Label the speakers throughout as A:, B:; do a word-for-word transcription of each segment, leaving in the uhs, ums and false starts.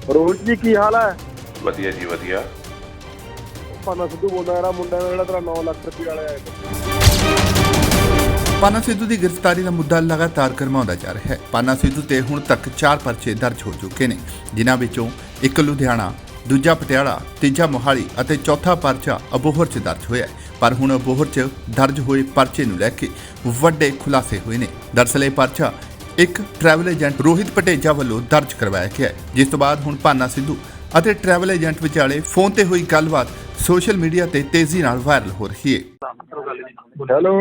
A: ਰੋਹਿਤ ਜੀ ਕੀ ਹਾਲ ਹੈ?
B: ਵਧੀਆ ਜੀ ਵਧੀਆ।
A: ਪਾਨਾ ਸਿੱਧੂ ਬੋਲਦਾ ਯਾਰ, ਮੁੰਡਾ ਜਿਹੜਾ ਤੇਰਾ ਨੌ ਲੱਖ ਰੁਪਏ ਵਾਲੇ ਆਏ।
C: ਪਾਨਾ ਸਿੱਧੂ ਦੀ ਗ੍ਰਿਫਤਾਰੀ ਦਾ ਮੁੱਦਾ ਲਗਾਤਾਰ ਗਰਮਾਉਂਦਾ ਜਾ ਰਿਹਾ ਹੈ। ਪਾਨਾ ਸਿੱਧੂ ਤੇ ਹੁਣ ਤੱਕ ਚਾਰ ਪਰਚੇ ਦਰਜ ਹੋ ਚੁੱਕੇ ਨੇ, ਜਿਨ੍ਹਾਂ ਵਿੱਚੋਂ ਇੱਕ ਲੁਧਿਆਣਾ, ਦੂਜਾ ਪਟਿਆਲਾ, ਤੀਜਾ ਮੋਹਾਲੀ ਅਤੇ ਚੌਥਾ ਪਰਚਾ ਅਬੋਹਰ 'ਚ ਦਰਜ ਹੋਇਆ ਹੈ। ਪਰ ਹੁਣ ਅਬੋਹਰ 'ਚ ਦਰਜ ਹੋਏ ਪਰਚੇ ਨੂੰ ਲੈ ਕੇ ਵੱਡੇ ਖੁਲਾਸੇ ਹੋਏ ਨੇ। ਦਰਅਸਲ ਇਹ ਪਰਚਾ ਇੱਕ ਟਰੈਵਲ ਏਜੰਟ ਰੋਹਿਤ ਪਟੇਜਾ ਵੱਲੋਂ ਦਰਜ ਕਰਵਾਇਆ ਗਿਆ ਹੈ, ਜਿਸ ਤੋਂ ਬਾਅਦ ਹੁਣ ਪਾਨਾ ਸਿੱਧੂ ਅਤੇ ਟਰੈਵਲ ਏਜੰਟ ਵਿਚਾਲੇ ਫੋਨ ਤੇ ਹੋਈ ਗੱਲਬਾਤ ਸੋਸ਼ਲ ਮੀਡੀਆ ਤੇ ਤੇਜ਼ੀ ਨਾਲ ਵਾਇਰਲ ਹੋ ਰਹੀ ਹੈ।
A: ਹੈਲੋ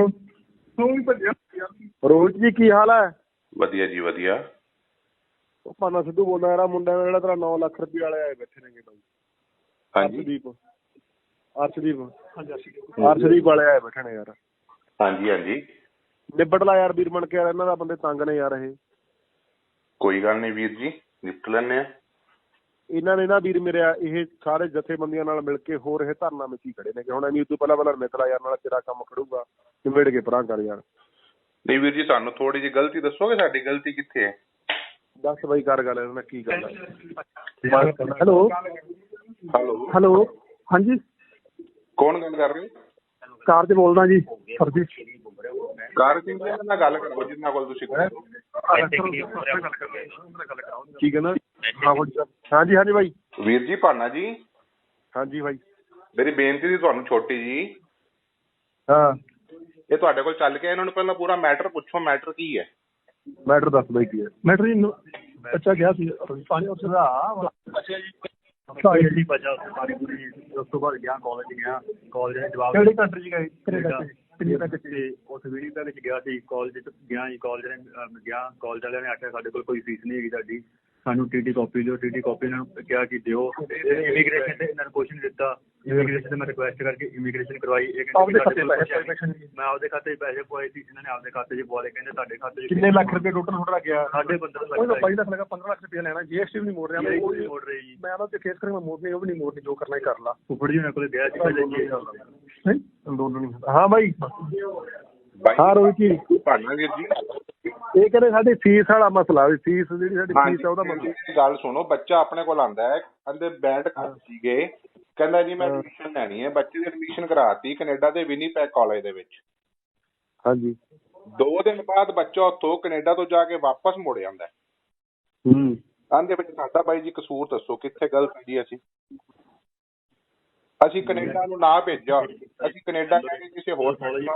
A: ਰੋਹਿਤ ਜੀ ਕੀ ਹਾਲ ਹੈ?
B: ਵਧੀਆ ਜੀ ਵਧੀਆ।
A: ਪਾਨਾ ਸਿੱਧੂ ਬੋਲਦਾ ਯਾਰ, ਮੁੰਡਾ ਜਿਹੜਾ ਤੇਰਾ ਨੌ ਲੱਖ ਰੁਪਏ ਵਾਲੇ ਆਏ ਬੈਠੇ ਨੇਗੇ ਬਾਈ।
B: ਹਾਂਜੀ
A: ਅਰਸ਼ਦੀਪ ਅਰਸ਼ਦੀਪ ਅਰਸ਼ਦੀਪ ਵਾਲੇ ਆਏ ਬੈਠੇ ਨੇ ਯਾਰ।
B: ਹਾਂਜੀ ਹਾਂਜੀ
A: ਨਿਬੜ ਲਾ ਯਾਰ ਵੀਰ ਬਣ ਕੇ, ਯਾਰ ਇਹਨਾਂ ਦਾ ਬੰਦੇ ਤੰਗ ਨੇ ਯਾਰ। ਇਹ
B: ਕੋਈ ਗੱਲ ਨਹੀਂ ਵੀਰ ਜੀ, ਨਿਪਟ ਲੈਂਦੇ ਆ।
A: ਇਹਨਾਂ ਨੇ ਨਾ ਵੀਰ ਮੇਰੇ ਇਹ ਸਾਰੇ ਜਥੇਬੰਦੀਆਂ ਨਾਲ ਮਿਲ ਕੇ ਹੋਰ ਇਹ ਧਰਨਾ ਵਿੱਚ ਹੀ ਖੜੇ ਨੇ ਕਿ ਹੁਣ ਐਵੇਂ ਉਦੋਂ ਪਹਿਲਾਂ ਪਹਿਲਾਂ ਮਿੱਤਰਾ ਯਾਰ ਨਾਲ ਤੇਰਾ ਕੰਮ ਖੜੂਗਾ, ਨਿਬੜ ਕੇ ਪਰਾਂ ਕਰ ਯਾਰ।
B: ਨਹੀਂ ਵੀਰ ਜੀ, ਸਾਨੂੰ ਥੋੜੀ ਜਿਹੀ ਗਲਤੀ ਦੱਸੋਗੇ, ਸਾਡੀ ਗਲਤੀ ਕਿੱਥੇ ਹੈ?
A: ਦੱਸ ਬਾਈ ਕਰ ਗੱਲ ਇਹਨਾਂ ਨਾਲ ਕੀ ਗੱਲ ਹੈ। ਹੈਲੋ
B: ਹੈਲੋ
A: ਹੈਲੋ ਹਾਂਜੀ
B: ਕੌਣ ਗੱਲ ਕਰ ਰਹੇ ਹੋ?
A: ਕਾਰ 'ਚ ਬੋਲਦਾ ਜੀ ਸਰ ਜੀ।
B: ਕਾਰ ਸਿੰਘ ਜੀ ਨਾਲ ਗੱਲ ਕਰੋ, ਜਿੰਨਾ ਕੋਲ ਤੁਸੀਂ
A: ਕੀ ਕਹਿੰਦਾ? ਹਾਂਜੀ ਹਾਂਜੀ ਬਾਈ।
B: ਵੀਰ ਜੀ ਪਾਨਾ ਜੀ,
A: ਹਾਂਜੀ ਬਾਈ।
B: ਮੇਰੀ ਬੇਨਤੀ ਸੀ ਤੁਹਾਨੂੰ ਛੋਟੀ ਜੀ।
A: ਹਾਂ
B: ਇਹ ਤੁਹਾਡੇ ਕੋਲ ਚੱਲ ਕੇ ਇਹਨਾਂ ਨੂੰ ਪਹਿਲਾਂ ਪੂਰਾ ਮੈਟਰ ਪੁੱਛੋ, ਮੈਟਰ ਕੀ ਹੈ?
A: ਮੈਟਰ ਦੱਸ ਬਾਈ ਕੀ ਹੈ ਮੈਟਰ ਜੀ? ਬੱਚਾ ਗਿਆ ਸੀ ਪਾਣੀ ਉਸ ਦਾ ਅੱਛਾ ਜੀ ਸਾਈਡ ਬਚਾ ਸਾਰੀ ਪੂਰੀ। ਉਸ ਤੋਂ ਬਾਅਦ ਗਿਆ ਕਾਲਜ ਗਿਆ, ਕਾਲਜ ਦੇ ਜਵਾਬ ਕਿਹੜੀ ਕੰਟਰੀ 'ਚ ਗਏ? ਕੈਨੇਡਾ ਤੇ ਉਸ ਵੀਡੀਓ ਦੇ ਵਿੱਚ ਗਿਆ ਸੀ, ਕਾਲਜ 'ਚ ਗਿਆ ਜੀ। ਕਾਲਜ ਨੇ ਗਿਆ, ਕਾਲਜ ਵਾਲਿਆਂ ਨੇ ਆਖਿਆ ਸਾਡੇ ਕੋਲ ਕੋਈ ਫੀਸ ਨਹੀਂ ਹੈਗੀ ਤੁਹਾਡੀ, ਸਾਨੂੰ ਟੀਟੀ ਕਾਪੀ ਦਿਓ। ਟੀਟੀ ਕਾਪੀ ਇਹਨਾਂ ਨੂੰ ਕਿਹਾ ਕਿ ਦਿਓ। ਇਮੀਗ੍ਰੇਸ਼ਨ ਤੇ ਇਹਨਾਂ ਨੂੰ ਕੁਛ ਨਹੀਂ ਦਿੱਤਾ। ਇਮੀਗ੍ਰੇਸ਼ਨ ਤੇ ਮੈਂ ਰਿਕੁਐਸਟ ਕਰਕੇ ਇਮੀਗ੍ਰੇਸ਼ਨ ਕਰਵਾਈ। ਇਹ ਕਹਿੰਦੇ ਮੈਂ ਆਪਦੇ ਖਾਤੇ 'ਚ ਪੈਸੇ ਪਵਾਏ ਸੀ, ਇਹਨਾਂ ਨੇ ਆਪਦੇ ਖਾਤੇ 'ਚ ਪਵਾ ਲਏ। ਕਹਿੰਦੇ ਤੁਹਾਡੇ ਖਾਤੇ 'ਚ ਕਿੰਨੇ ਲੱਖ ਰੁਪਏ ਟੋਟਲ ਤੁਹਾਡਾ ਗਿਆ? ਸਾਢੇ ਪੰਦਰਾਂ ਲੱਖ। ਬਾਈ ਲੱਖ ਲੱਗਾ, ਪੰਦਰਾਂ ਲੱਖ ਰੁਪਏ ਲੈਣਾ। ਜੀਐਸਟੀ ਵੀ ਨਹੀਂ ਮੋੜ ਰਿਹਾ, ਉਹ ਨਹੀਂ ਮੋੜ ਰਹੀ ਜੀ। ਮੈਂ ਉਹਨਾਂ ਤੇ ਕੇਸ ਕਰਾਂਗਾ, ਮੋੜਨੀ ਉਹ ਵੀ ਨਹੀਂ ਮੋੜਨੀ, ਜੋ ਕਰਨਾ ਹੀ ਕਰ ਲਾ। ਫੁੱਫੜ ਜੀ ਉਹਨਾਂ ਕੋਲ ਗਿਆ ਸੀ ਅੰਦੋਲਨ। ਹਾਂ ਬਾਈ। ਹਾਂ ਰੋਹਿਤ ਜੀ।
B: ਪਾਨਾ ਵੀਰ ਜੀ,
A: ਇਹ ਕਹਿੰਦੇ ਸਾਡੀ ਫੀਸ ਵਾਲਾ ਮਸਲਾ, ਵੀ ਫੀਸ ਜਿਹੜੀ ਸਾਡੀ ਫੀਸ ਆ ਉਹਦਾ ਮਸਲਾ।
B: ਗੱਲ ਸੁਣੋ, ਬੱਚਾ ਆਪਣੇ ਕੋਲ ਆਂਦਾ ਹੈ, ਕਹਿੰਦੇ ਬੈਂਡ ਕਰ ਸੀਗੇ, ਕਹਿੰਦਾ ਜੀ ਮੈਂ ਐਡਮਿਸ਼ਨ ਲੈਣੀ ਹੈ। ਬੱਚੇ ਦੀ ਐਡਮਿਸ਼ਨ ਕਰਾਤੀ ਕੈਨੇਡਾ ਦੇ ਵਿਨੀਪੈਗ ਕਾਲਜ ਦੇ ਵਿੱਚ।
A: ਹਾਂਜੀ।
B: ਦੋ ਦਿਨ ਬਾਅਦ ਬੱਚਾ ਉੱਥੋਂ ਕੈਨੇਡਾ ਤੋਂ ਜਾ ਕੇ ਵਾਪਸ ਮੁੜ ਜਾਂਦਾ।
A: ਹੂੰ
B: ਆਂਦੇ ਵਿੱਚ ਸਾਡਾ ਬਾਈ ਜੀ ਕਸੂਰ ਦੱਸੋ, ਕਿੱਥੇ ਗਲਤ ਜੀ? ਅਸੀਂ ਅਸੀਂ ਕੈਨੇਡਾ ਨੂੰ ਨਾ ਭੇਜਿਆ, ਅਸੀਂ ਕੈਨੇਡਾ ਕਹਿ ਕੇ ਕਿਸੇ ਹੋਰ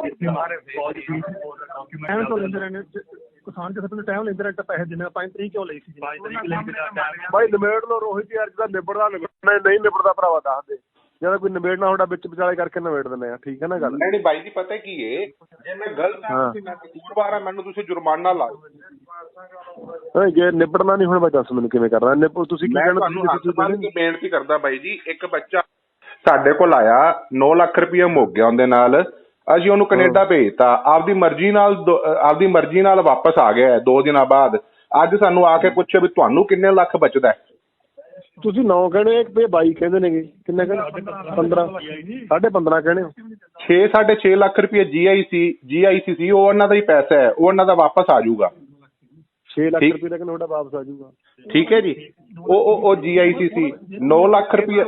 A: ਕਿਸਾਨ ਕਿਸੇ ਤੋਂ ਟਾਈਮ ਲੈਂਦੇ ਰਹੇ ਤਾਂ ਪੈਸੇ ਦਿੰਦੇ। ਪੰਜ ਤਰੀਕ ਕਿਉਂ ਲਈ ਸੀ? ਬਾਈ ਨਿਬੇੜ ਲਓ ਰੋਹਿਤ ਯਾਰ, ਜਿਹਦਾ ਨਿਬੜਦਾ ਨਿਬੜਨਾ, ਨਹੀਂ ਨਿਬੜਦਾ ਭਰਾਵਾ ਦੱਸ ਦੇ। ਜਦੋਂ ਕੋਈ ਨਿਬੇੜਨਾ ਤੁਹਾਡਾ ਵਿੱਚ ਵਿਚਾਲੇ ਕਰਕੇ ਨਿਬੇੜ ਦਿੰਦੇ ਆ, ਠੀਕ ਹੈ ਨਾ ਗੱਲ?
B: ਨਹੀਂ ਬਾਈ ਜੀ, ਪਤਾ ਕੀ ਏ, ਜੇ ਮੈਂ ਗਲਤ ਹਾਂ, ਮੈਂ ਕਸੂਰਵਾਰ ਆ, ਮੈਨੂੰ ਤੁਸੀਂ ਜੁਰਮਾਨਾ ਲਾਓ।
A: ਜੇ ਨਿਬੜਨਾ ਨਹੀਂ ਹੁਣ ਬਾਈ ਦੱਸ ਮੈਨੂੰ ਕਿਵੇਂ ਕਰਨਾ? ਤੁਸੀਂ ਕੀ ਕਹਿਣਾ?
B: ਤੁਹਾਨੂੰ ਬੇਨਤੀ ਕਰਦਾ ਬਾਈ ਜੀ, ਇੱਕ ਬੱਚਾ ਸਾਡੇ ਕੋਲ ਆਇਆ, ਨੌ ਲੱਖ ਰੁਪਇਆ ਮੁੱਕ ਗਿਆ ਉਹਦੇ ਨਾਲ। ਅਸੀਂ ਉਹਨੂੰ ਕੈਨੇਡਾ ਭੇਜਤਾ, ਆਪਦੀ ਮਰਜ਼ੀ ਨਾਲ ਆਪਦੀ ਮਰਜ਼ੀ ਨਾਲ ਵਾਪਸ ਆ ਗਿਆ ਦੋ ਦਿਨਾਂ ਬਾਅਦ। ਅੱਜ ਸਾਨੂੰ ਆ ਕੇ ਪੁੱਛਿਆ ਵੀ ਤੁਹਾਨੂੰ ਕਿੰਨੇ ਲੱਖ ਬਚਦਾ?
A: ਤੁਸੀਂ ਨੌ ਕਹਿੰਦੇ ਹੋ, ਬਾਈ ਕਹਿੰਦੇ ਨੇਗੇ। ਕਿੰਨੇ ਕਹਿੰਦੇ? ਪੰਦਰਾਂ ਸਾਢੇ ਪੰਦਰਾਂ ਕਹਿੰਦੇ ਹੋ।
B: ਛੇ ਸਾਢੇ ਛੇ ਲੱਖ ਰੁਪਏ ਜੀ ਆਈ ਸੀ ਜੀ ਆਈ ਸੀ ਸੀ ਉਹ ਉਹਨਾਂ ਦਾ ਹੀ ਪੈਸਾ ਹੈ, ਉਹ ਉਹਨਾਂ ਦਾ ਵਾਪਸ ਆ ਜਾਊਗਾ। ਛੇ ਲੱਖ ਰੁਪਏ ਦਾ ਤੁਹਾਡਾ ਵਾਪਸ ਆ ਜਾਊਗਾ, ਠੀਕ ਹੈ ਜੀ। ਉਹ ਉਹ ਜੀ ਆਈ ਸੀ ਸੀ ਨੌ ਲੱਖ ਰੁਪਏ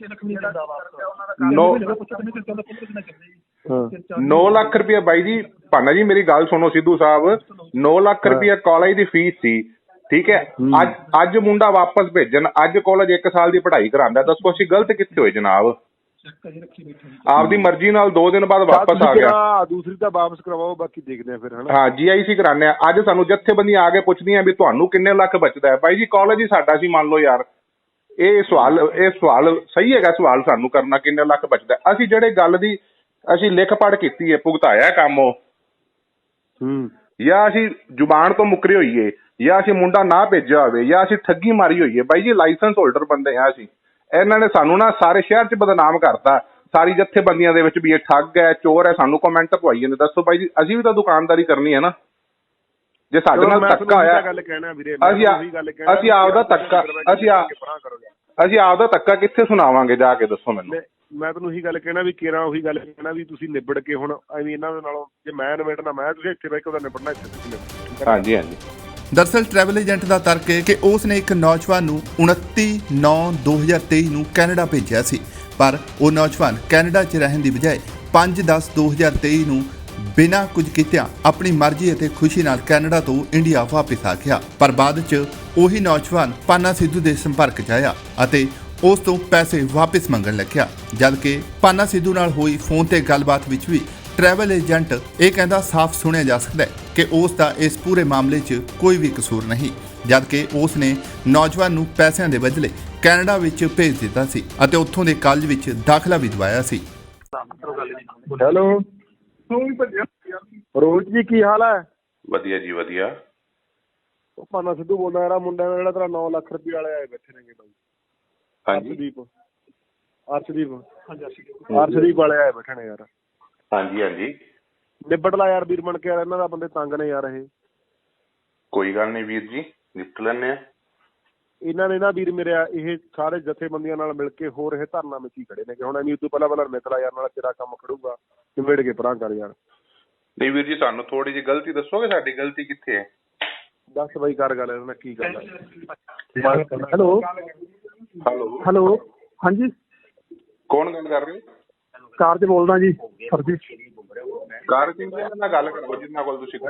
B: ਨੌ ਲੱਖ ਰੁਪਇਆ। ਬਾਈ ਜੀ ਪਾਨਾ ਜੀ ਮੇਰੀ ਗੱਲ ਸੁਣੋ ਸਿੱਧੂ ਸਾਹਿਬ, ਨੌ ਲੱਖ ਰੁਪਇਆ ਕਾਲਜ ਦੀ ਫੀਸ ਸੀ, ਠੀਕ ਹੈ। ਅੱਜ ਅੱਜ ਮੁੰਡਾ ਵਾਪਸ ਭੇਜਣ, ਅੱਜ ਕਾਲਜ ਇੱਕ ਸਾਲ ਦੀ ਪੜ੍ਹਾਈ ਕਰਾਉਂਦਾ, ਦੱਸੋ ਅਸੀਂ ਗਲਤ ਕਿੱਥੇ ਹੋਏ ਜਨਾਬ? ਆਪਦੀ ਮਰਜ਼ੀ ਨਾਲ ਦੋ ਦਿਨ ਬਾਅਦ ਵਾਪਸ ਆ ਗਿਆ।
A: ਦੂਸਰੀ ਤਾਂ ਵਾਪਸ ਕਰਵਾਓ, ਬਾਕੀ ਦੇਖਦੇ ਆ ਫਿਰ।
B: ਹਾਂ ਜੀ ਆਈ ਸੀ ਕਰਾਉਂਦੇ ਆ। ਅੱਜ ਸਾਨੂੰ ਜਥੇਬੰਦੀਆਂ ਆ ਕੇ ਪੁੱਛਦੀਆਂ ਵੀ ਤੁਹਾਨੂੰ ਕਿੰਨੇ ਲੱਖ ਬਚਦਾ ਹੈ? ਬਾਈ ਜੀ ਕਾਲਜ ਹੀ ਸਾਡਾ ਸੀ, ਮੰਨ ਲਓ ਯਾਰ। ਇਹ ਸਵਾਲ ਇਹ ਸਵਾਲ ਸਹੀ ਹੈਗਾ ਸਵਾਲ ਸਾਨੂੰ ਕਰਨਾ, ਕਿੰਨੇ ਲੱਖ ਬਚਦਾ? ਅਸੀਂ ਜਿਹੜੇ ਗੱਲ ਦੀ ਅਸੀਂ ਲਿਖ ਪੜ੍ਹ ਕੀਤੀ ਹੈ, ਭੁਗਤਾਇਆ ਕੰਮ ਉਹ,
A: ਹੂੰ,
B: ਜਾਂ ਅਸੀਂ ਜ਼ੁਬਾਨ ਤੋਂ ਮੁੱਕਰੇ ਹੋਈਏ, ਜਾਂ ਅਸੀਂ ਮੁੰਡਾ ਨਾ ਭੇਜਿਆ ਹੋਵੇ, ਜਾਂ ਅਸੀਂ ਠੱਗੀ ਮਾਰੀ ਹੋਈਏ। ਬਾਈ ਜੀ ਲਾਇਸੈਂਸ ਹੋਲਡਰ ਬੰਦੇ ਆ ਅਸੀਂ। ਇਹਨਾਂ ਨੇ ਸਾਨੂੰ ਨਾ ਸਾਰੇ ਸ਼ਹਿਰ 'ਚ ਬਦਨਾਮ ਕਰਤਾ, ਸਾਰੀ ਜਥੇਬੰਦੀਆਂ ਦੇ ਵਿੱਚ ਵੀ ਇਹ ਠੱਗ ਹੈ, ਚੋਰ ਹੈ। ਸਾਨੂੰ ਕਮੈਂਟ ਪਵਾਈ ਜਾਂਦੇ। ਦੱਸੋ ਬਾਈ ਜੀ, ਅਸੀਂ ਵੀ ਤਾਂ ਦੁਕਾਨਦਾਰੀ ਕਰਨੀ ਹੈ ਨਾ। ਜੇ ਸਾਡੇ ਨਾਲ ਧੱਕਾ ਹੋਇਆ, ਅਸੀਂ ਅਸੀਂ ਆਪਦਾ ਧੱਕਾ ਅਸੀਂ ਅਸੀਂ ਆਪਦਾ ਧੱਕਾ ਕਿੱਥੇ ਸੁਣਾਵਾਂਗੇ ਜਾ ਕੇ? ਦੱਸੋ ਮੈਨੂੰ।
A: ਮੈਂ ਤੁਹਾਨੂੰ ਉਹੀ ਗੱਲ ਕਹਿਣਾ ਵੀ ਕੇਰਾਂ ਉਹੀ ਗੱਲ ਕਹਿਣਾ ਵੀ ਤੁਸੀਂ ਨਿਬੜ ਕੇ ਹੁਣ ਐਵੇਂ ਇਹਨਾਂ ਦੇ ਨਾਲੋਂ, ਜੇ ਮੈਂ ਨਿਬੜਨਾ ਮੈਂ, ਤੁਸੀਂ ਇੱਥੇ ਬਹਿ ਕੇ ਉਹਦਾ ਨਿਬੜਨਾ ਇੱਥੇ ਤੁਸੀਂ ਨਿਬੜ।
B: ਹਾਂਜੀ ਹਾਂਜੀ
C: ਦਰਅਸਲ ਟਰੈਵਲ ਏਜੰਟ ਦਾ ਤਰਕ ਹੈ ਕਿ ਉਸ ਨੇ ਇੱਕ ਨੌਜਵਾਨ ਨੂੰ ਉਨੱਤੀ ਨੌਂ ਦੋ ਹਜ਼ਾਰ ਤੇਈ ਨੂੰ ਕੈਨੇਡਾ ਭੇਜਿਆ ਸੀ, ਪਰ ਉਹ ਨੌਜਵਾਨ ਕੈਨੇਡਾ 'ਚ ਰਹਿਣ ਦੀ ਬਜਾਏ ਪੰਜ ਦਸ ਦੋ ਹਜ਼ਾਰ ਤੇਈ ਨੂੰ ਬਿਨਾਂ ਕੁਝ ਕੀਤਿਆਂ ਆਪਣੀ ਮਰਜ਼ੀ ਅਤੇ ਖੁਸ਼ੀ ਨਾਲ ਕੈਨੇਡਾ ਤੋਂ ਇੰਡੀਆ ਵਾਪਸ ਆ ਗਿਆ। ਪਰ ਬਾਅਦ 'ਚ ਉਹੀ ਨੌਜਵਾਨ ਪਾਨਾ ਸਿੱਧੂ ਦੇ ਸੰਪਰਕ 'ਚ ਆਇਆ ਅਤੇ ਉਸ ਤੋਂ ਪੈਸੇ ਵਾਪਸ ਮੰਗਣ ਲੱਗਿਆ, ਜਦਕਿ ਪਾਨਾ ਸਿੱਧੂ ਨਾਲ ਹੋਈ ਫੋਨ ਤੇ ਗੱਲਬਾਤ ਵਿੱਚ ਵੀ ਟਰੈਵਲ ਏਜੰਟ ਇਹ ਕਹਿੰਦਾ ਸਾਫ਼ ਸੁਣਿਆ ਜਾ ਸਕਦਾ ਹੈ ਕਿ ਉਸ ਦਾ ਇਸ ਪੂਰੇ ਮਾਮਲੇ 'ਚ ਕੋਈ ਵੀ ਕਸੂਰ ਨਹੀਂ, ਜਦਕਿ ਉਸ ਨੇ ਨੌਜਵਾਨ ਨੂੰ ਪੈਸਿਆਂ ਦੇ ਬਦਲੇ ਕੈਨੇਡਾ ਵਿੱਚ ਭੇਜ ਦਿੱਤਾ ਸੀ ਅਤੇ ਉੱਥੋਂ ਦੇ ਕਾਲਜ ਵਿੱਚ ਦਾਖਲਾ ਵੀ ਦਿਵਾਇਆ ਸੀ।
A: ਹੈਲੋ ਰੋਹਿਤ ਜੀ, ਕੀ ਹਾਲ ਹੈ?
B: ਵਧੀਆ ਜੀ ਵਧੀਆ।
A: ਉਹ ਪਾਨਾ ਸਿੱਧੂ ਬੋਲਦਾ ਯਾਰ, ਮੁੰਡਾ ਜਿਹੜਾ ਤੇਰਾ ਨੌ ਲੱਖ ਰੁਪਏ ਵਾਲੇ ਆਏ ਬੈਠੇ ਨੇਗੇ ਬਾਈ।
B: ਹਾਂਜੀ
A: ਅਰਸ਼ਦੀਪ ਅਰਸ਼ਦੀਪ ਅਰਸ਼ਦੀਪ ਵਾਲੇ ਆਏ ਬੈਠੇ ਨੇ ਯਾਰ।
B: ਹਾਂਜੀ ਹਾਂਜੀ
A: ਨਿਬੜ ਲਾ ਯਾਰ ਵੀਰ ਬਣ ਕੇ ਯਾਰ, ਇਹਨਾਂ ਦਾ ਬੰਦੇ ਤੰਗ ਨੇ ਯਾਰ। ਇਹ
B: ਕੋਈ ਗੱਲ ਨਹੀਂ ਵੀਰ ਜੀ, ਨਿਪਟ ਲੈਣੇ ਆ।
A: ਇਹਨਾਂ ਨੇ ਨਾ ਵੀਰ ਮੇਰੇ ਇਹ ਸਾਰੇ ਜਥੇਬੰਦੀਆਂ ਨਾਲ ਮਿਲ ਕੇ ਹੋਰ ਇਹ ਧਰਨਾ ਵਿੱਚ ਹੀ ਖੜੇ ਨੇ ਕਿ ਹੁਣ ਐਵੇਂ ਉਦੋਂ ਪਹਿਲਾਂ ਪਹਿਲਾਂ ਨਿਕਲਾ ਯਾਰ, ਨਾਲ ਤੇਰਾ ਕੰਮ ਖੜੂਗਾ, ਨਿਬੜ ਕੇ ਪਰਾਂ ਕਰ ਯਾਰ।
B: ਨਹੀਂ ਵੀਰ ਜੀ, ਸਾਨੂੰ ਥੋੜੀ ਜਿਹੀ ਗਲਤੀ ਦੱਸੋਗੇ, ਸਾਡੀ ਗਲਤੀ ਕਿੱਥੇ ਹੈ?
A: ਦੱਸ ਬਾਈ, ਕਰ ਗੱਲ ਇਹਨਾਂ ਨਾਲ ਕੀ ਗੱਲ ਹੈ। ਹੈਲੋ
B: ਹੈਲੋ
A: ਹੈਲੋ ਹਾਂਜੀ,
B: ਕੌਣ ਗੱਲ ਕਰ ਰਹੇ ਹੋ?
A: ਕਾਰ 'ਚ ਬੋਲਦਾ ਜੀ ਸਰ ਜੀ।
B: ਕਾਰ ਸਿੰਘ ਜੀ ਨਾਲ ਗੱਲ ਕਰੋ, ਜਿੰਨਾ ਕੋਲ ਤੁਸੀਂ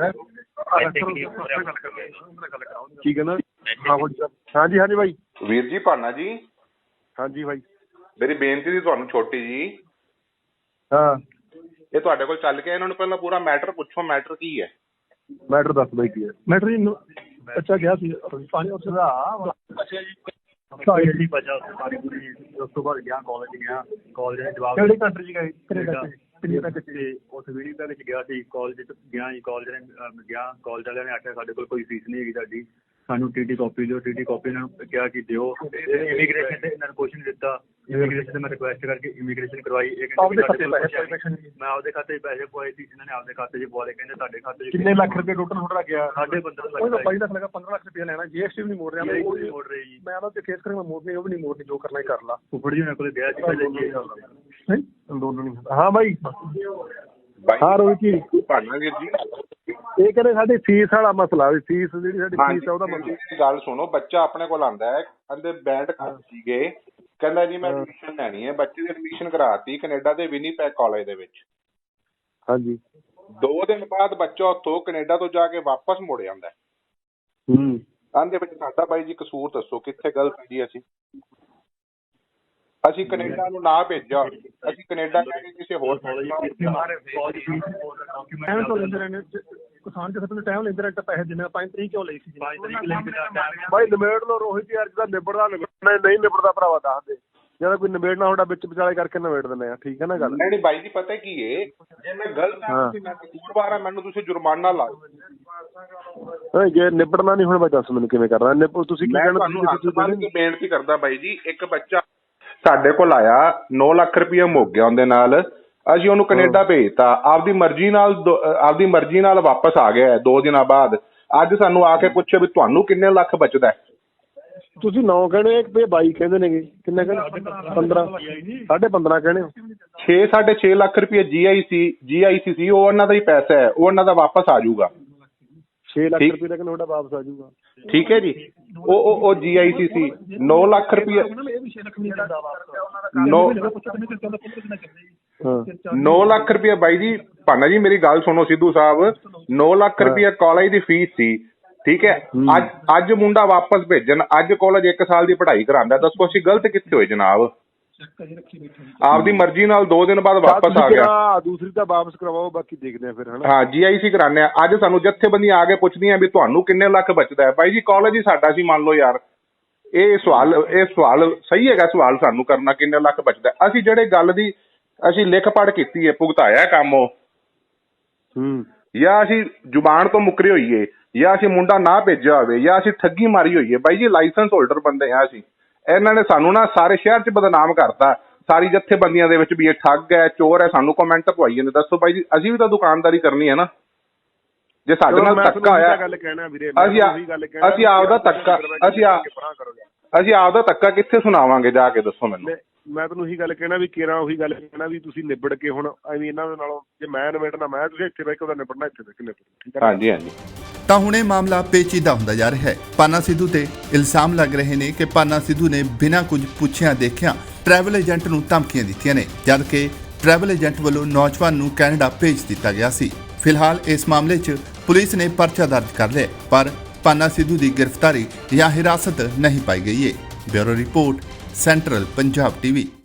A: ਕੀ ਕਹਿੰਦਾ? ਹਾਂਜੀ ਹਾਂਜੀ ਬਾਈ।
B: ਵੀਰ ਜੀ ਪਾਨਾ ਜੀ।
A: ਹਾਂਜੀ ਬਾਈ।
B: ਮੇਰੀ ਬੇਨਤੀ ਸੀ ਤੁਹਾਨੂੰ ਛੋਟੀ ਜੀ।
A: ਹਾਂ, ਇਹ
B: ਤੁਹਾਡੇ ਕੋਲ ਚੱਲ ਕੇ ਇਹਨਾਂ ਨੂੰ ਪਹਿਲਾਂ ਪੂਰਾ ਮੈਟਰ ਪੁੱਛੋ, ਮੈਟਰ ਕੀ ਹੈ?
A: ਮੈਟਰ ਦੱਸ ਬਾਈ ਕੀ ਹੈ। ਮੈਟਰ ਜੀ ਬੱਚਾ ਗਿਆ ਸੀ ਪਾਣੀ ਉਸ ਦਾ ਅੱਛਾ ਜੀ ਸਾਰੀ ਬਚਾ ਸਾਰੀ ਪੂਰੀ। ਉਸ ਤੋਂ ਬਾਅਦ ਗਿਆ ਕਾਲਜ ਗਿਆ, ਕਾਲਜ ਦੇ ਜਵਾਬ ਕਿਹੜੀ ਕੰਟਰੀ 'ਚ ਗਏ? ਕੈਨੇਡਾ 'ਚ। ਤੇ ਉਸ ਵੀਡੀਓ ਵਿੱਚ ਗਿਆ ਸੀ, ਕਾਲਜ 'ਚ ਗਿਆ ਜੀ। ਕਾਲਜ ਨੇ ਗਿਆ, ਕਾਲਜ ਵਾਲਿਆਂ ਨੇ ਆਖਿਆ ਸਾਡੇ ਕੋਲ ਕੋਈ ਫੀਸ ਨਹੀਂ ਹੈਗੀ ਸਾਡੀ, ਸਾਨੂੰ ਟੀ ਟੀ ਕਾਪੀ ਦਿਓ। ਟੀ ਟੀ ਕਾਪੀ ਇਹਨਾਂ ਨੂੰ ਕਿਹਾ ਕਿ ਦਿਓ। ਇਮੀਗ੍ਰੇਸ਼ਨ ਤੇ ਇਹਨਾਂ ਨੂੰ ਕੁਐਸਚਨ ਦਿੱਤਾ, ਇਮੀਗ੍ਰੇਸ਼ਨ ਤੇ ਮੈਂ ਰਿਕੁਐਸਟ ਕਰਕੇ ਇਮੀਗ੍ਰੇਸ਼ਨ ਕਰਵਾਈ। ਮੈਂ ਆਪਦੇ ਖਾਤੇ 'ਚ ਪੈਸੇ ਪਵਾਏ ਸੀ, ਇਹਨਾਂ ਨੇ ਆਪਦੇ ਖਾਤੇ 'ਚ ਪਵਾ ਲਏ। ਕਹਿੰਦੇ ਤੁਹਾਡੇ ਖਾਤੇ 'ਚ ਕਿੰਨੇ ਲੱਖ ਰੁਪਏ ਟੋਟਲ ਤੁਹਾਡਾ ਗਿਆ? ਸਾਢੇ ਪੰਦਰਾਂ ਲੱਖ। ਬਾਈ ਲੱਖ ਲੱਗਾ, ਪੰਦਰਾਂ ਲੱਖ ਰੁਪਏ ਲੈਣਾ। ਜੀ ਐਸ ਟੀ ਵੀ ਨਹੀਂ ਮੋੜ ਰਿਹਾ, ਮੋੜ ਰਹੇ ਜੀ। ਮੈਂ ਉਹਨਾਂ ਤੇ ਕੇਸ ਕਰਾਂਗਾ, ਮੋੜਨੀ ਉਹ ਵੀ ਨਹੀਂ ਮੋੜਨੀ, ਜੋ ਕਰਨਾ ਹੀ ਕਰ ਲਾ। ਫੁੱਫੜ ਜੀ ਉਹਨਾਂ ਕੋਲ ਗਿਆ ਸੀ ਅੰਦੋਲਨ। ਹਾਂ ਬਾਈ। ਹਾਂ ਰੋਹਿਤ ਜੀ।
B: ਪਾਨਾ ਵੀਰ ਜੀ,
A: ਇਹ ਕਹਿੰਦੇ ਸਾਡੀ ਫੀਸ ਵਾਲਾ ਮਸਲਾ, ਵੀ ਫੀਸ ਜਿਹੜੀ ਸਾਡੀ ਫੀਸ ਆ ਉਹਦਾ ਮਸਲਾ।
B: ਗੱਲ ਸੁਣੋ, ਬੱਚਾ ਆਪਣੇ ਕੋਲ ਆਂਦਾ ਹੈ, ਕਹਿੰਦੇ ਬੈਂਡ ਖਾਤੇ ਸੀਗੇ, ਕਹਿੰਦਾ ਜੀ ਮੈਂ ਐਡਮਿਸ਼ਨ ਲੈਣੀ ਹੈ। ਬੱਚੇ ਦੀ ਐਡਮਿਸ਼ਨ ਕਰਾਤੀ ਕੈਨੇਡਾ ਦੇ ਵਿਨੀਪੈਗ ਕਾਲਜ ਦੇ ਵਿੱਚ।
A: ਹਾਂਜੀ।
B: ਦੋ ਦਿਨ ਬਾਅਦ ਬੱਚਾ ਉੱਥੋਂ ਕੈਨੇਡਾ ਤੋਂ ਜਾ ਕੇ ਵਾਪਸ ਮੁੜ ਜਾਂਦਾ।
A: ਹੂੰ। ਆਂਦੇ
B: ਵਿੱਚ ਸਾਡਾ ਬਾਈ ਜੀ ਕਸੂਰ ਦੱਸੋ, ਕਿੱਥੇ ਗਲਤ ਜੀ? ਅਸੀਂ ਅਸੀਂ ਕੈਨੇਡਾ ਨੂੰ ਨਾ ਭੇਜਿਆ, ਅਸੀਂ ਕੈਨੇਡਾ ਜਾ ਕੇ ਕਿਸੇ ਹੋਰ
A: ਟਾਈਮ ਤੋਂ ਲੈਂਦੇ ਰਹੇ ਕਿਸਾਨ ਕਿਸੇ ਤੋਂ ਟਾਈਮ ਲੈਂਦੇ ਰਹੇ ਪੈਸੇ ਜਿੰਨੇ ਪੰਜ ਤਰੀਕ ਕਿਉਂ ਲਈ ਸੀ? ਬਾਈ ਨਿਬੇੜ ਲੋ ਰੋਹਿਤ ਯਾਰ, ਜਿਹਦਾ ਨਿਬੜਦਾ ਨਹੀਂ ਨਿਬੜਦਾ ਭਰਾਵਾ ਦੱਸ ਦੇ। ਜਦੋਂ ਕੋਈ ਨਿਬੇੜਨਾ ਤੁਹਾਡਾ ਵਿੱਚ ਵਿਚਾਲੇ ਕਰਕੇ ਨਿਬੇੜ ਦਿੰਦੇ ਆ, ਠੀਕ ਹੈ ਨਾ ਗੱਲ?
B: ਨਹੀਂ ਬਾਈ ਜੀ, ਪਤਾ ਕੀ ਹੈ, ਜੇ ਮੈਂ ਗਲਤ ਹਾਂ, ਮੈਂ ਕਸੂਰਵਾਰ ਹਾਂ, ਮੈਨੂੰ ਤੁਸੀਂ ਜੁਰਮਾਨਾ ਲਾਓ।
A: ਜੇ ਨਿਬੜਨਾ ਨਹੀਂ ਹੁਣ ਬਾਈ ਦੱਸ ਮੈਨੂੰ ਕਿਵੇਂ ਕਰਨਾ? ਤੁਸੀਂ ਕੀ ਕਹਿਣਾ?
B: ਬੇਨਤੀ ਕਰਦਾ ਬਾਈ ਜੀ, ਇੱਕ ਬੱਚਾ ਸਾਡੇ ਕੋਲ ਆਇਆ, ਨੌ ਲੱਖ ਰੁਪਇਆ ਮੁੱਕ ਗਿਆ ਉਹਦੇ ਨਾਲ, ਅਸੀਂ ਉਹਨੂੰ ਕੈਨੇਡਾ ਭੇਜਤਾ। ਆਪਦੀ ਮਰਜ਼ੀ ਨਾਲ ਆਪਦੀ ਮਰਜ਼ੀ ਨਾਲ ਵਾਪਸ ਆ ਗਿਆ ਦੋ ਦਿਨਾਂ ਬਾਅਦ। ਅੱਜ ਸਾਨੂੰ ਆ ਕੇ ਪੁੱਛੇ ਵੀ ਤੁਹਾਨੂੰ ਕਿੰਨੇ ਲੱਖ ਬਚਦਾ? ਤੁਸੀਂ ਨੌ ਕਹਿੰਦੇ ਤੇ ਬਾਈ ਕਹਿੰਦੇ ਨੇਗੇ, ਕਿੰਨੇ ਕਹਿੰਦੇ? ਪੰਦਰਾਂ, ਸਾਢੇ ਪੰਦਰਾਂ ਕਹਿੰਦੇ ਹੋ। ਛੇ ਸਾਢੇ ਛੇ ਲੱਖ ਰੁਪਏ ਜੀ ਆਈ ਸੀ ਜੀ ਆਈ ਸੀ ਸੀ ਉਹ ਉਹਨਾਂ ਦਾ ਹੀ ਪੈਸਾ ਹੈ, ਉਹ ਉਹਨਾਂ ਦਾ ਵਾਪਸ ਆ ਜਾਊਗਾ। ਛੇ ਲੱਖ ਰੁਪਏ ਦਾ ਕਹਿੰਦੇ ਤੁਹਾਡਾ ਵਾਪਸ ਆ ਜਾਊਗਾ, ਠੀਕ ਹੈ ਜੀ। ਉਹ ਉਹ ਜੀ ਆਈ ਸੀ ਸੀ ਨੌ ਲੱਖ ਰੁਪਏ, ਨੌ ਲੱਖ ਰੁਪਏ ਬਾਈ ਜੀ। ਭਾਨਾ ਜੀ ਮੇਰੀ ਗੱਲ ਸੁਣੋ ਸਿੱਧੂ ਸਾਹਿਬ, ਨੌ ਲੱਖ ਰੁਪਏ ਕਾਲਜ ਦੀ ਫੀਸ ਸੀ, ਠੀਕ ਹੈ। ਅੱਜ ਅੱਜ ਮੁੰਡਾ ਵਾਪਸ ਭੇਜਣ, ਅੱਜ ਕਾਲਜ ਇੱਕ ਸਾਲ ਦੀ ਪੜ੍ਹਾਈ ਕਰਾਉਂਦਾ, ਦੱਸੋ ਅਸੀਂ ਗਲਤ ਕਿੱਥੇ ਹੋਏ ਜਨਾਬ? ਆਪਦੀ ਮਰਜ਼ੀ ਨਾਲ ਦੋ ਦਿਨ ਬਾਅਦ ਵਾਪਸ ਆ ਗਿਆ।
A: ਦੂਸਰੀ ਤਾਂ ਵਾਪਸ ਕਰਵਾਓ, ਬਾਕੀ ਦੇਖਦੇ ਆ ਫਿਰ।
B: ਹਾਂ ਜੀ ਆਈ ਸੀ ਕਰਾਉਂਦੇ ਆ। ਅੱਜ ਸਾਨੂੰ ਜਥੇਬੰਦੀਆਂ ਆ ਕੇ ਪੁੱਛਦੀਆਂ ਵੀ ਤੁਹਾਨੂੰ ਕਿੰਨੇ ਲੱਖ ਬਚਦਾ ਹੈ? ਬਾਈ ਜੀ ਕਾਲਜ ਹੀ ਸਾਡਾ ਸੀ, ਮੰਨ ਲਓ ਯਾਰ। ਇਹ ਸਵਾਲ ਇਹ ਸਵਾਲ ਸਹੀ ਹੈਗਾ ਸਵਾਲ ਸਾਨੂੰ ਕਰਨਾ, ਕਿੰਨੇ ਲੱਖ ਬਚਦਾ? ਅਸੀਂ ਜਿਹੜੇ ਗੱਲ ਦੀ ਅਸੀਂ ਲਿਖ ਪੜ੍ਹ ਕੀਤੀ ਹੈ, ਭੁਗਤਾਇਆ ਕੰਮ ਉਹ,
A: ਹੂੰ,
B: ਜਾਂ ਅਸੀਂ ਜ਼ੁਬਾਨ ਤੋਂ ਮੁੱਕਰੇ ਹੋਈਏ, ਜਾਂ ਅਸੀਂ ਮੁੰਡਾ ਨਾ ਭੇਜਿਆ ਹੋਵੇ, ਜਾਂ ਅਸੀਂ ਠੱਗੀ ਮਾਰੀ ਹੋਈਏ। ਬਾਈ ਜੀ ਲਾਇਸੈਂਸ ਹੋਲਡਰ ਬੰਦੇ ਆ ਅਸੀਂ। ਇਹਨਾਂ ਨੇ ਸਾਨੂੰ ਨਾ ਸਾਰੇ ਸ਼ਹਿਰ 'ਚ ਬਦਨਾਮ ਕਰਤਾ, ਸਾਰੀ ਜਥੇਬੰਦੀਆਂ ਦੇ ਵਿੱਚ ਵੀ ਇਹ ਠੱਗ ਹੈ, ਚੋਰ ਹੈ। ਸਾਨੂੰ ਕਮੈਂਟ ਪਵਾਈ ਜਾਂਦੇ। ਦੱਸੋ ਬਾਈ ਜੀ, ਅਸੀਂ ਵੀ ਤਾਂ ਦੁਕਾਨਦਾਰੀ ਕਰਨੀ ਹੈ ਨਾ। ਜੇ ਸਾਡੇ ਨਾਲ ਧੱਕਾ ਹੋਇਆ, ਅਸੀਂ ਅਸੀਂ ਆਪਦਾ ਧੱਕਾ ਅਸੀਂ ਅਸੀਂ ਆਪਦਾ ਧੱਕਾ ਕਿੱਥੇ ਸੁਣਾਵਾਂਗੇ ਜਾ ਕੇ? ਦੱਸੋ ਮੈਨੂੰ।
A: ਮੈਂ ਤੁਹਾਨੂੰ ਉਹੀ ਗੱਲ ਕਹਿਣਾ ਵੀ ਕੇਰਾਂ ਉਹੀ ਗੱਲ ਕਹਿਣਾ ਵੀ ਤੁਸੀਂ ਨਿਬੜ ਕੇ ਹੁਣ ਐਵੇਂ ਇਹਨਾਂ ਦੇ ਨਾਲੋਂ, ਜੇ ਮੈਂ ਨਿਬੜਨਾ ਮੈਂ, ਤੁਸੀਂ ਇੱਥੇ ਬਹਿ ਕੇ ਉਹਦਾ ਨਿਬੜਨਾ ਇੱਥੇ ਬਹਿ ਕੇ ਨਿਬੜੋ, ਠੀਕ ਹੈ?
B: ਹਾਂਜੀ ਹਾਂਜੀ।
C: ਤਾਂ ਹੁਣ ਇਹ ਮਾਮਲਾ ਪੇਚੀਦਾ ਹੁੰਦਾ ਜਾ ਰਿਹਾ ਹੈ। ਪਾਨਾ ਸਿੱਧੂ ਤੇ ਇਲਜ਼ਾਮ ਲੱਗ ਰਹੇ ਨੇ ਕਿ ਪਾਨਾ ਸਿੱਧੂ ਨੇ ਬਿਨਾਂ ਕੁਝ ਪੁੱਛਿਆਂ ਦੇਖਿਆਂ ਟਰੈਵਲ ਏਜੰਟ ਨੂੰ ਧਮਕੀਆਂ ਦਿੱਤੀਆਂ ਨੇ, ਜਦਕਿ ਟਰੈਵਲ ਏਜੰਟ ਵੱਲੋਂ ਨੌਜਵਾਨ ਨੂੰ ਕੈਨੇਡਾ ਭੇਜ ਦਿੱਤਾ ਗਿਆ ਸੀ। ਫਿਲਹਾਲ ਇਸ ਮਾਮਲੇ 'ਚ ਪੁਲਿਸ ਨੇ ਪਰਚਾ ਦਰਜ ਕਰ ਲਿਆ, ਪਰ ਪਾਨਾ ਸਿੱਧੂ ਦੀ ਗ੍ਰਿਫਤਾਰੀ ਜਾਂ ਹਿਰਾਸਤ ਨਹੀਂ ਪਾਈ ਗਈ ਹੈ। Bureau report, central Punjab TV.